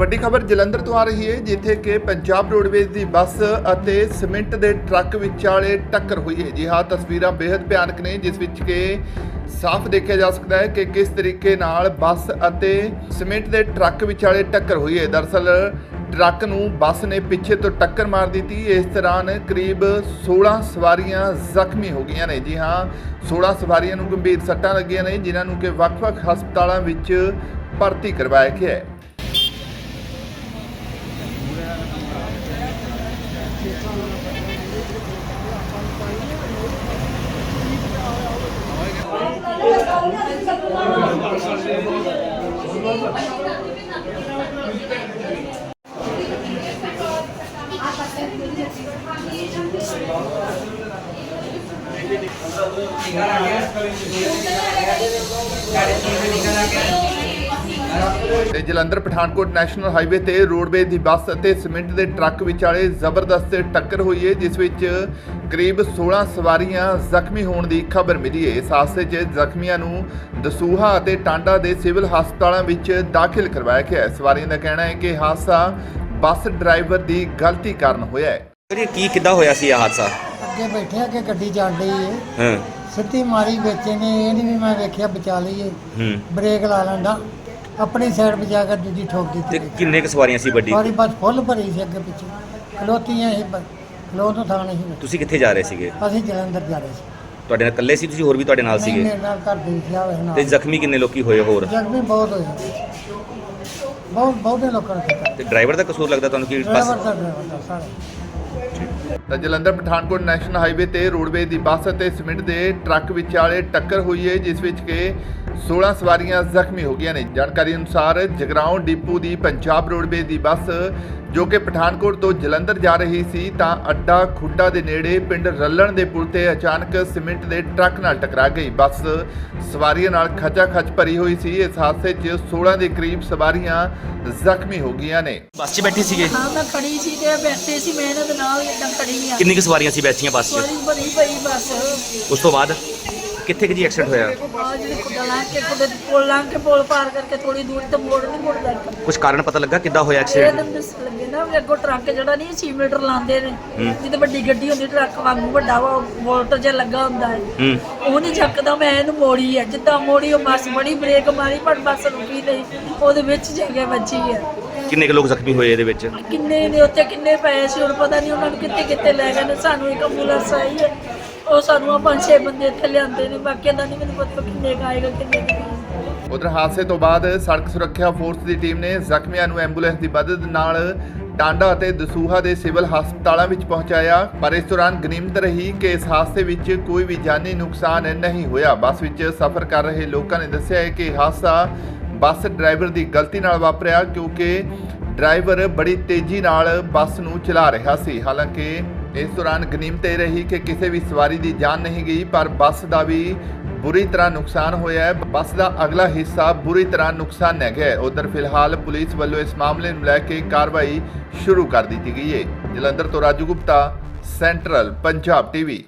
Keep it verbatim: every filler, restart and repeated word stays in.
ਵੱਡੀ ਖਬਰ ਜਲੰਧਰ ਤੋਂ ਆ ਰਹੀ ਹੈ, ਜਿੱਥੇ ਕਿ ਪੰਜਾਬ ਰੋਡਵੇਜ਼ ਦੀ ਬੱਸ ਅਤੇ ਸੀਮੈਂਟ ਦੇ ਟਰੱਕ ਵਿਚਾਲੇ ਟੱਕਰ ਹੋਈ ਹੈ। ਜੀ ਹਾਂ, ਤਸਵੀਰਾਂ ਬੇहद ਭਿਆਨਕ ਨੇ, ਜਿਸ ਵਿੱਚ ਕਿ ਸਾਫ਼ ਦੇਖਿਆ ਜਾ ਸਕਦਾ ਹੈ ਕਿ ਕਿਸ ਤਰੀਕੇ ਨਾਲ ਬੱਸ ਅਤੇ ਸੀਮੈਂਟ ਦੇ ਟਰੱਕ ਵਿਚਾਲੇ ਟੱਕਰ ਹੋਈ ਹੈ। ਦਰਅਸਲ ਟਰੱਕ ਨੂੰ ਬੱਸ ਨੇ ਪਿੱਛੇ ਤੋਂ ਟੱਕਰ ਮਾਰ ਦਿੱਤੀ। ਇਸ ਦੌਰਾਨ ਕਰੀਬ सोलह ਸਵਾਰੀਆਂ ਜ਼ਖਮੀ ਹੋ ਗਈਆਂ ਨੇ। ਜੀ ਹਾਂ, सोलह ਸਵਾਰੀਆਂ ਨੂੰ ਗੰਭੀਰ ਸੱਟਾਂ ਲੱਗੀਆਂ ਨੇ, ਜਿਨ੍ਹਾਂ ਨੂੰ ਕਿ ਵੱਖ-ਵੱਖ ਹਸਪਤਾਲਾਂ ਵਿੱਚ ਭਰਤੀ ਕਰਵਾਇਆ ਗਿਆ ਹੈ। ਤੇ ਜਲੰਧਰ ਪਠਾਨਕੋਟ ਨੈਸ਼ਨਲ ਹਾਈਵੇ ਤੇ ਰੋਡਵੇਜ਼ ਦੀ ਬੱਸ ਅਤੇ ਸੀਮੈਂਟ ਦੇ ਟਰੱਕ ਵਿਚਾਲੇ ਜ਼ਬਰਦਸਤ ਟੱਕਰ ਹੋਈ ਹੈ, ਜਿਸ ਵਿੱਚ ਕਰੀਬ सोलह ਸਵਾਰੀਆਂ ਜ਼ਖਮੀ ਹੋਣ ਦੀ ਖਬਰ ਮਿਲੀ ਹੈ। ਇਸ ਹਾਦਸੇ 'ਚ ਜ਼ਖਮੀਆਂ ਨੂੰ ਦਸੂਹਾ ਅਤੇ ਟਾਂਡਾ ਦੇ ਸਿਵਲ ਹਸਪਤਾਲਾਂ ਵਿੱਚ ਦਾਖਲ ਕਰਵਾਇਆ ਗਿਆ ਹੈ। ਸਵਾਰੀਆਂ ਦਾ ਕਹਿਣਾ ਹੈ ਕਿ ਹਾਦਸਾ ਬੱਸ ਡਰਾਈਵਰ ਦੀ ਗਲਤੀ ਕਾਰਨ ਹੋਇਆ ਹੈ। ਇਹ ਕੀ ਕਿੱਦਾਂ ਹੋਇਆ ਸੀ ਇਹ ਹਾਦਸਾ? ਅੱਗੇ ਬੈਠਿਆ ਕਿ ਗੱਡੀ ਚੱਲ ਰਹੀ ਹੈ, ਹਾਂ ਸਿੱਧੀ ਮਾਰੀ ਵਿੱਚ ਨੇ। ਇਹ ਨਹੀਂ ਵੀ ਮੈਂ ਵੇਖਿਆ ਬਚਾ ਲਈਏ, ਹੂੰ ਬ੍ਰੇਕ ਲਾ ਲੈਂਦਾ, ਆਪਣੀ ਸਾਈਡ ਬਚਾ ਕੇ ਦੂਜੀ ਠੋਕ ਤੇ ਦਿੱਤੀ। ਕਿੰਨੇ ਕੁ ਸਵਾਰੀਆਂ ਸੀ ਵੱਡੀ? ਸਾਰੀ ਬੱਸ ਫੁੱਲ ਭਰੀ ਸੀ, ਅੱਗੇ ਪਿੱਛੇ ਖਲੋਤੀਆਂ ਸੀ, ਖਲੋ ਤੋਂ ਥਾਂ ਨਹੀਂ ਸੀ। ਤੁਸੀਂ ਕਿੱਥੇ ਜਾ ਰਹੇ ਸੀਗੇ? ਅਸੀਂ ਜਲੰਧਰ ਜਾ ਰਹੇ ਸੀ। ਤੁਹਾਡੇ ਨਾਲ ਇਕੱਲੇ ਸੀ ਤੁਸੀਂ, ਹੋਰ ਵੀ ਤੁਹਾਡੇ ਨਾਲ ਨਹੀਂ, ਸੀਗੇ? ਮੇਰੇ ਨਾਲ ਘਰ ਦੇ ਵਿਖਿਆ ਹੋਇਆ ਤੇ ਨਾਲ। ਜ਼ਖਮੀ ਕਿੰਨੇ ਲੋਕੀ ਹੋਏ ਹੋਰ? ਜ਼ਖਮੀ ਬਹੁਤ ਹੋਏ, ਬਹੁਤ ਬਹੁਤੇ ਲੋਕਾਂ ਨੇ ਕੀਤਾ। ਤੇ ਡਰਾਈਵਰ ਦਾ ਕਸੂਰ ਲੱਗਦਾ ਤੁਹਾਨੂੰ ਕਿ ਡਰਾਈਵਰ ਬੱਸ? ਦਾ ਡਰਾਈਵਰ ਦਾ ਸਾਰੇ। ਤਾਂ ਜਲੰਧਰ ਪਠਾਨਕੋਟ ਨੈਸ਼ਨਲ ਹਾਈਵੇ ਤੇ ਰੋਡਵੇਜ਼ ਦੀ ਬੱਸ ਅਤੇ ਸੀਮੈਂਟ ਦੇ ਟਰੱਕ ਵਿਚਾਲੇ ਟੱਕਰ ਹੋਈ ਹੈ, ਜਿਸ ਵਿੱਚ ਕਿ सोलह ਸਵਾਰੀਆਂ ਜ਼ਖਮੀ ਹੋ ਗਈਆਂ ਨੇ। ਜਾਣਕਾਰੀ ਅਨੁਸਾਰ ਜਗਰਾਉਂ ਡਿਪੂ ਦੀ ਪੰਜਾਬ ਰੋਡਵੇਜ਼ ਦੀ ਬੱਸ ਜੋ ਕਿ ਪਠਾਨਕੋਟ ਤੋਂ ਜਲੰਧਰ ਜਾ ਰਹੀ ਸੀ, ਤਾਂ ਅੱਡਾ ਖੁੱਡਾ ਦੇ ਨੇੜੇ ਪਿੰਡ ਰੱਲਣ ਦੇ ਪੁਲ ਤੇ ਅਚਾਨਕ ਸੀਮੈਂਟ ਦੇ ਟਰੱਕ ਨਾਲ ਟਕਰਾ ਗਈ। ਬੱਸ ਸਵਾਰੀਆਂ ਨਾਲ ਖਚਾ ਖਚ ਭਰੀ ਹੋਈ ਸੀ। ਇਸ ਹਾਦਸੇ 'ਚ सोलह ਦੇ ਕਰੀਬ ਸਵਾਰੀਆਂ ਜ਼ਖਮੀ ਹੋ ਗਈਆਂ ਨੇ। ਬੱਸ 'ਚ ਬੈਠੀ ਸੀਗੇ? ਹਾਂ, ਮੈਂ ਖੜੀ ਸੀ ਤੇ ਬੈਠੇ ਸੀ, ਮੈਂ ਇਹਨਾਂ ਦੇ ਨਾਲ ਇਦਾਂ ਖੜੀ ਆ। ਕਿੰਨੀ ਕੁ ਸਵਾਰੀਆਂ ਸੀ ਬੈਠੀਆਂ ਬੱਸ 'ਚ? ਸੋਰੀ ਬੜੀ ਪਈ ਬੱਸ। ਉਸ ਤੋਂ ਬਾਅਦ ਕਿੱਥੇ ਕਿ ਜੀ ਐਕਸੀਡੈਂਟ ਹੋਇਆ? ਆ ਜਿਹੜੀ ਖੁੱਡਾ ਲਾਂ ਕੇ ਖੁੱਡੇ ਪੁੱਲ ਲਾਂ ਕੇ ਪੁੱਲ ਪਾਰ ਕਰਕੇ ਥੋੜੀ ਦੂਰ ਤੇ ਮੋੜ ਨਹੀਂ ਮੁੜਦਾ ਇੱਕ। ਕੁਝ ਕਾਰਨ ਪਤਾ ਲੱਗਾ ਕਿੱਦਾਂ ਹੋਇਆ ਇਹ ਐਕਸੀਡੈਂਟ? ਤਾਂ ਦੱਸ ਲੱਗੇ ਨਾ ਵੀ ਅੱਗੋਂ ਟਰੱਕ ਜਿਹੜਾ ਨਹੀਂ ਛੇ ਮੀਟਰ ਲਾਉਂਦੇ ਨੇ, ਜਿੱਤੇ ਵੱਡੀ ਗੱਡੀ ਹੁੰਦੀ ਟਰੱਕ ਵਾਂਗੂ ਵੱਡਾ ਵਾ ਵੋਲਟ ਜਿਹਾ ਲੱਗਾ ਹੁੰਦਾ ਹੈ, ਹੂੰ ਉਹ ਨਹੀਂ ਚੱਕਦਾ। ਮੈਂ ਇਹਨੂੰ ਮੋੜੀ ਹੈ, ਜਿੱਦਾਂ ਮੋੜੀ ਉਹ ਬੱਸ ਬੜੀ ਬ੍ਰੇਕ ਮਾਰੀ, ਪਰ ਬੱਸ ਰੁਕੀ ਨਹੀਂ, ਉਹਦੇ ਵਿੱਚ ਜਾ ਕੇ ਵੱਜੀ ਹੈ। ਕਿੰਨੇ ਕੁ ਲੋਕ ਜ਼ਖਮੀ ਹੋਏ ਇਹਦੇ ਵਿੱਚ? ਕਿੰਨੇ ਨੇ ਉੱਥੇ ਕਿੰਨੇ ਪਏ ਸੀ ਹੁਣ ਪਤਾ ਨਹੀਂ, ਉਹਨਾਂ ਨੂੰ ਕਿੱਥੇ ਕਿੱਥੇ ਲੈ ਗਏ ਨੇ। ਸਾਨੂੰ ਇੱਕ ਐਂਬੂਲੈਂਸ ਆਈ ਹੈ, ਉਹ ਸਾਨੂੰ ਆ ਪੰਜ ਛੇ ਬੰਦੇ ਇੱਥੇ ਲਿਆਂਦੇ ਨੇ, ਬਾਕੀ ਦਾ ਨਹੀਂ ਮੈਨੂੰ ਪਤਾ ਕਿੰਨੇ ਕੁ ਆਏਗਾ ਕਿੰਨੇ ਕੁ ਨਹੀਂ। ਉਧਰ ਹਾਦਸੇ ਤੋਂ ਬਾਅਦ ਸੜਕ ਸੁਰੱਖਿਆ ਫੋਰਸ ਦੀ ਟੀਮ ਨੇ ਜ਼ਖਮੀਆਂ ਨੂੰ ਐਂਬੂਲੈਂਸ ਦੀ ਮਦਦ ਨਾਲ ਟਾਂਡਾ ਅਤੇ ਦਸੂਹਾ ਦੇ ਸਿਵਲ ਹਸਪਤਾਲਾਂ ਵਿੱਚ ਪਹੁੰਚਾਇਆ, ਪਰ ਇਸ ਦੌਰਾਨ ਗਨੀਮਤ ਰਹੀ ਕਿ ਇਸ ਹਾਦਸੇ ਵਿੱਚ ਕੋਈ ਵੀ ਜਾਨੀ ਨੁਕਸਾਨ ਨਹੀਂ ਹੋਇਆ। ਬੱਸ ਵਿੱਚ ਸਫ਼ਰ ਕਰ ਰਹੇ ਲੋਕਾਂ ਨੇ ਦੱਸਿਆ ਹੈ ਕਿ ਹਾਦਸਾ ਬੱਸ ਡਰਾਈਵਰ ਦੀ ਗਲਤੀ ਨਾਲ ਵਾਪਰਿਆ, ਕਿਉਂਕਿ ਡਰਾਈਵਰ ਬੜੀ ਤੇਜ਼ੀ ਨਾਲ ਬੱਸ ਨੂੰ ਚਲਾ ਰਿਹਾ ਸੀ। ਹਾਲਾਂਕਿ ਇਸ ਦੌਰਾਨ ਗਨੀਮਤ ਇਹ ਰਹੀ ਕਿ ਕਿਸੇ ਵੀ ਸਵਾਰੀ ਦੀ ਜਾਨ ਨਹੀਂ ਗਈ, ਪਰ ਬੱਸ ਦਾ ਵੀ ਬੁਰੀ ਤਰ੍ਹਾਂ ਨੁਕਸਾਨ ਹੋਇਆ ਹੈ। ਬੱਸ ਦਾ ਅਗਲਾ ਹਿੱਸਾ ਬੁਰੀ ਤਰ੍ਹਾਂ ਨੁਕਸਾਨਿਆ ਗਿਆ ਹੈ। ਉਧਰ ਫਿਲਹਾਲ ਪੁਲਿਸ ਵੱਲੋਂ ਇਸ ਮਾਮਲੇ ਨੂੰ ਲੈ ਕੇ ਕਾਰਵਾਈ ਸ਼ੁਰੂ ਕਰ ਦਿੱਤੀ ਗਈ ਹੈ। ਜਲੰਧਰ ਤੋਂ ਰਾਜੂ ਗੁਪਤਾ, ਸੈਂਟਰਲ ਪੰਜਾਬ ਟੀਵੀ।